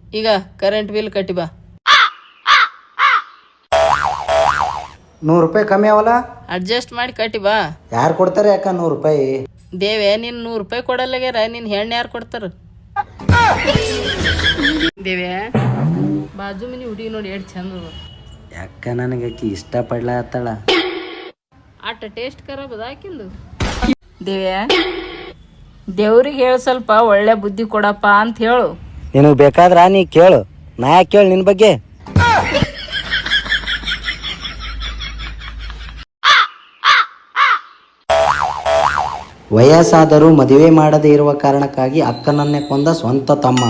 ಈಗ current bill ಕಟ್ಟಿ ಬಾ. 100 ರೂಪಾಯಿ ಕಮ್ಮಿ ಅವಲ್ಲ, ಅಡ್ಜಸ್ಟ್ ಮಾಡಿ ಕಟ್ಟಿ ಬಾ. ಯಾರು ಕೊಡ್ತಾರೆ ಅಕ್ಕ 100 ರೂಪಾಯಿ? ದೇವೆ ನೀನ್ 100 ರೂಪಾಯಿ ಕೊಡಲ್ಲಾಗ್ಯಾರ, ನಿನ್ ಹೆಣ್ಣು ಯಾರು ಕೊಡ್ತಾರ? ದೇವೆ ಬಾಜು ಮನಿ ಹುಡುಗಿ ನೋಡಿ ಎಷ್ಟು ಚಂದ ಅದ. ಯಾಕ ನನಗೆ ಆಕಿ ಇಷ್ಟಪಡ್ಲತ್ತಾಳ. ಆಟ ಟೇಸ್ಟ್ ಖರಾಬ್ ಅದ ಆಕಿಂದು. ದೇವ್ಯಾ ದೇವ್ರಿಗೆ ಹೇಳು, ಸ್ವಲ್ಪ ಒಳ್ಳೆ ಬುದ್ಧಿ ಕೊಡಪ್ಪ ಅಂತ ಹೇಳು. ನಿನಗೆ ಬೇಕಾದ್ರ ನೀ ಕೇಳು, ನಾ ಯಾಕೆ ಕೇಳು ನಿನ್ ಬಗ್ಗೆ? ವಯಸ್ಸಾದರೂ ಮದುವೆ ಮಾಡದೇ ಇರುವ ಕಾರಣಕ್ಕಾಗಿ ಅಕ್ಕನನ್ನೇ ಕೊಂದ ಸ್ವಂತ ತಮ್ಮ.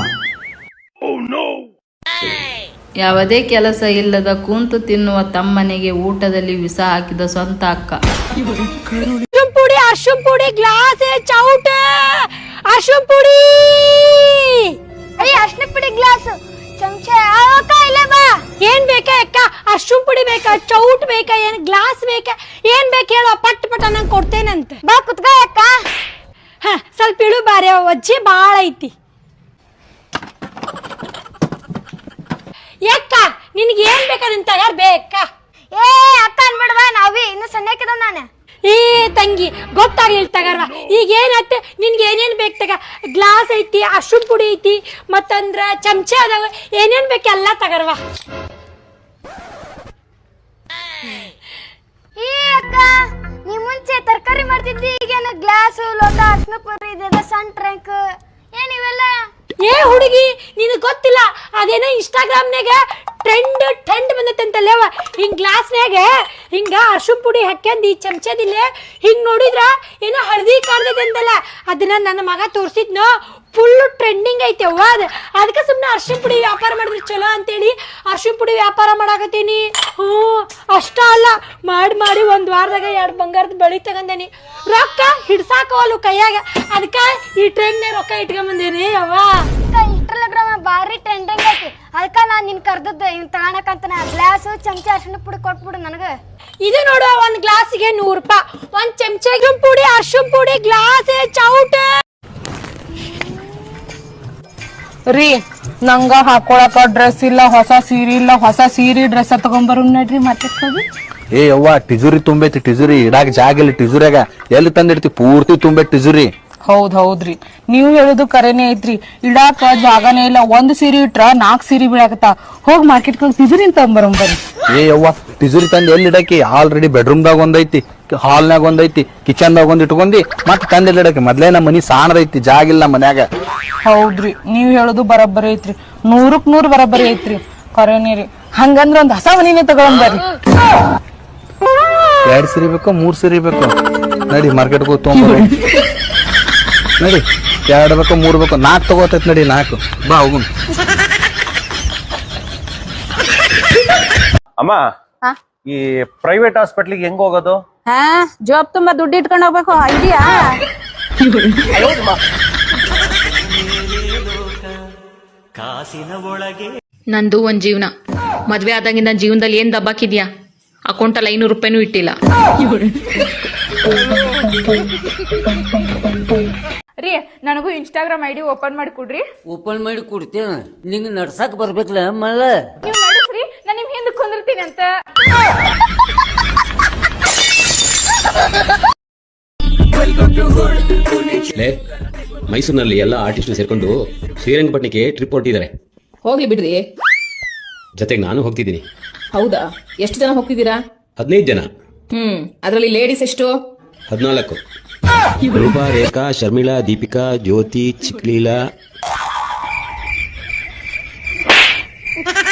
ಯಾವುದೇ ಕೆಲಸ ಇಲ್ಲದ ಕೂಂತು ತಿನ್ನುವ ತಮ್ಮನಿಗೆ ಊಟದಲ್ಲಿ ವಿಷ ಹಾಕಿದ ಸ್ವಂತ ಅಕ್ಕ. ಅರ್ಶಿನ ಪುಡಿ ಗ್ಲಾಸ್ ಚೌಟ, ಅರ್ಶಿನ ಪುಡಿ ಅರ್ಶಿನ ಪುಡಿ ಗ್ಲಾಸ್ ಚಮಚ ಇಲ್ಲ ಬಾ. ಏನ್ ಬೇಕಾ ಅಕ್ಕ? ಅರ್ಶಿನ ಪುಡಿ ಬೇಕಾ, ಚೌಟ್ ಬೇಕಾ, ಏನ್ ಗ್ಲಾಸ್ ಬೇಕಾ, ಏನ್ ಬೇಕು ಹೇಳು, ಪಟ್ ಪಟ ನಂಗೆ ಕೊಡ್ತೇನಂತ. ಬಾ ಕುತ್ಕ ಅಕ್ಕ. ಸ್ವಲ್ಪ ಇಳು ಬಾರಿ, ಒಜ್ಜಿ ಬಾಳ ಐತಿ. ಯಾಕ ನಿನ್ಗೆ ಏನ್ ಬೇಕಾದಂತ ತಗಾರ್ ಬೇಕಾ? ಏ ಅಕ್ಕ ಅನ್ಬಿಡ್ವಾ, ನಾವಿ ಇನ್ನು ಸಣ್ಣಕ್ಕಿದ ನಾನು. ಏ ತಂಗಿ ಗೊತ್ತಾಗ್ಲಿಲ್ಲ ತಗಾರ್ವಾ. ಈಗ ಏನಾಯ್ತು ನಿನ್ಗೆ ಏನೇನ್ ಬೇಕು ತಗ? ಗ್ಲಾಸ್ ಐತಿ, ಅರ್ಶಿನ ಪುಡಿ ಐತಿ, ಮತ್ತಂದ್ರ ಚಮಚ ಅದಾವ, ಏನೇನ್ ಬೇಕು ಎಲ್ಲ ತಗರ್ವಾ. ಏ ಅಕ್ಕ, ನೀ ಮುಂಚೆ ತರಕಾರಿ ಮಾಡ್ತಿದ್ದಿ, ಈಗೇನ ಗ್ಲಾಸ್ ಲೋಟ ಅರ್ಶಿನ ಪುಡಿ ಇದೆ, ಸಣ್ಣ ಟ್ರಂಕ್ ಏನಿವೆಲ್ಲ? ಏ ಹುಡುಗಿ ನಿನಗೆ ಗೊತ್ತಿಲ್ಲ, ಅದೇನೋ ಇನ್ಸ್ಟಾಗ್ರಾಮ್ನಾಗ ಟ್ರೆಂಡ್ ಬಂದತ್ತಂತಲ್ಲೇವ, ಹಿಂಗ್ ಗ್ಲಾಸ್ನಾಗ ಹಿಂಗ ಅರ್ಶಿನ ಪುಡಿ ಹಾಕ್ಯಂದು ಈ ಚಮಚದಿಲ್ಲ ಹಿಂಗ್ ನೋಡಿದ್ರ ಏನೋ ಹಳದಿ ಕಾಣ್ತೈತೆ ಅಂತಲ್ಲ, ಅದನ್ನ ನನ್ನ ಮಗ ತೋರ್ಸಿದ್ನೋ, ಫುಲ್ ಟ್ರೆಂಡಿಂಗ್ ಐತೆ ಅವ್ವ. ಅದಕ್ಕೆ ಸುಮ್ಮನೆ ಅರ್ಶಿನ ಪುಡಿ ವ್ಯಾಪಾರ ಮಾಡಿದ್ರೆ ಚಲೋ ಅಂತೇಳಿ ಅರ್ಶಿನ ಪುಡಿ ವ್ಯಾಪಾರ ಮಾಡಾಕತ್ತೀನಿ. ಅಷ್ಟ ಅಲ್ಲ, ಮಾಡಿ ಒಂದ್ ವಾರದಾಗ 2 ಬಂಗಾರದ ಬಳಿ ತಗೊಂಡೇನಿ. ರೊಕ್ಕ ಹಿಡ್ಸಾಕವಲ್ಲು ಕೈಯಾಗ, ಅದಕ್ಕ ಈ ಟ್ರೆಂಡ್ನಾಗ ರೊಕ್ಕ ಇಟ್ಕೊಂಬಂದೇನಿ ಅವ್ವ. ಇನ್ಸ್ಟಾಗ್ರಾಮ್ ಬಾರಿ ಟ್ರೆಂಡಿಂಗ್ ಐತಿ, ಅದಕ್ಕ ನಾನ್ ನಿನ್ ಕರ್ದದ್ದು ಇವ್ ತಗೋಣಕಂತ ಗ್ಲಾಸ್ ಚಮಚ ಅರ್ಶಿನ ಪುಡಿ ಕೊಟ್ಬಿಡು ನನಗ. ಇದು ನೋಡು, ಒಂದ್ ಗ್ಲಾಸಿಗೆ 100 ರೂಪಾಯಿ, ಒಂದ್ ಚಮಚ ಪುಡಿ ಅರ್ಶಿನ ಪುಡಿ ಗ್ಲಾಸ್ ಚೌಟ. ರೀ ನಂಗ ಹಾಕೊಳಕ ಡ್ರೆಸ್ ಇಲ್ಲ, ಹೊಸ ಸೀರೆ ಇಲ್ಲ, ಹೊಸ ಸೀರೆ ಡ್ರೆಸ್ ತಗೊಂಬರು ನಡ್ರಿ ಮಾತಾಡ್ಸೋದು. ಏ ಯವ್ವ ಟಿಜುರಿ ತುಂಬೈತಿ, ಟಿಜುರಿ ಇಡಾಕ ಜಾಗ ಇಲ್ಲ, ಟಿಜುರಿಯಾಗ ಎಲ್ಲಿ ತಂದಿಡ್ತಿ? ಪೂರ್ತಿ ತುಂಬೆ ಟಿಜುರಿ. ಹೌದ್ರಿ, ನೀವು ಹೇಳುದು ಕರೆನೇ ಐತ್ರಿ, ಇಡಾಕ ಜಾಗನೇ ಇಲ್ಲ. 1 ಸೀರೆ ಇಟ್ರ 4 ಸೀರೆ ಬೀಳಾಕತ್ತ. ಹೋಗಿ ಮಾರ್ಕೆಟ್ ತಿಜುರಿ ತಗೊಂಬರಂಬರಿ. ಏ ಯವ್ವ ಟಿಜುರಿ ತಂದ್ ಎಲ್ಲಿ ಇಡಾಕಿ? ಆಲ್ರೆಡಿ ಬೆಡ್ರೂಮ್ದಾಗ ಒಂದೈತಿ, ಹಾಲ್ನಾಗ ಒಂದೈತಿ, ಕಿಚನ್ದಾಗ ಒಂದ್ ಇಟ್ಕೊಂಡಿ ಮತ್ ತಂದ್ ಎಲ್ಲಿ ಇಡಾಕಿ? ಮೊದ್ಲೇ ನಮ್ಮ ಮನಿ ಸಾಣದೈತಿ, ಜಾಗ ಇಲ್ಲ ಮನ್ಯಾಗ. ಹೌದ್ರಿ, ನೀವ್ ಹೇಳುದು ಬರಬ್ಬರಿ ಐತ್ರಿ, 100ಕ್ಕೆ 100 ಬರಬ್ಬರಿ ಐತ್ರಿ, ಕರೆನೇ ರೀ. ಹಂಗಂದ್ರ ಒಂದ್ ಹೊಸ ಮನಿನೇ ತಗೊಂಬರ್ರಿ. 2 ಸೀರೆ ಬೇಕು, 3 ಸೀರೆ ಬೇಕು? ನಡಿ ಮಾರ್ಕೆಟ್ ಹೋಗಿ ತಗೊಂಬ ನಡಿ. 2 ಬೇಕು, 3 ಬೇಕು, 4 ತಗೋತೈತ್ ನಡಿ. 4 ಬಾ ಹೋಗುನ್. ಅಮ್ಮ, ಈ ಪ್ರೈವೇಟ್ ಹಾಸ್ಪಿಟ್ಲಿಗೆ ಹೆಂಗ್ ಹೋಗೋದು? ಜಾಬ್ ತುಂಬಾ ದುಡ್ಡು ಇಟ್ಕೊಂಡು ಹೋಗ್ಬೇಕು, ಇದೆಯಾ? ನಂದು ಒಂದ್ ಜೀವನ, ಮದ್ವೆ ಆದಂಗಿಂದ ಜೀವನದಲ್ಲಿ ಏನ್ ದಬ್ಬಾಕಿದ್ಯಾ? ಅಕೌಂಟಲ್ಲಿ 500 ರೂಪಾಯಿನೂ ಇಟ್ಟಿಲ್ಲ. ರೀ ನನಗೂ ಇನ್ಸ್ಟಾಗ್ರಾಮ್ ಐಡಿ ಓಪನ್ ಮಾಡಿ ಕೊಡ್ರಿ. ಓಪನ್ ಮಾಡಿ ಕೊಡ್ತೇನೆ, ನಿಂಗೆ ನಡ್ಸಕ್ ಬರ್ಬೇಕಲ್ಲ ಮಲ್ಲ. ನೀವು ನಡಸ್ರಿ, ನಾನು ನಿಮ್ ಹಿಂದೆ ಕುಂದಿರ್ತೀನಿ ಅಂತ. ಮೈಸೂರಿನಲ್ಲಿ ಎಲ್ಲ ಆರ್ಟಿಸ್ಟ್ ಸೇರ್ಕೊಂಡು ಶ್ರೀರಂಗಪಟ್ಟಣಕ್ಕೆ ಟ್ರಿಪ್ ಹೊರಟಿದ್ದಾರೆ. ಹೋಗ್ಲಿ ಬಿಡ್ರಿ, ಜೊತೆಗೆ ನಾನು ಹೋಗ್ತಿದ್ದೀನಿ. ಹೌದಾ? ಎಷ್ಟು ಜನ ಹೋಗ್ತಿದ್ದೀರಾ? 15 ಜನ. ಅದರಲ್ಲಿ ಲೇಡೀಸ್ ಎಷ್ಟು? 14. ರೂಪಾ, ರೇಖಾ, ಶರ್ಮಿಳಾ, ದೀಪಿಕಾ, ಜ್ಯೋತಿ, ಚಿಕ್ಲೀಲಾ.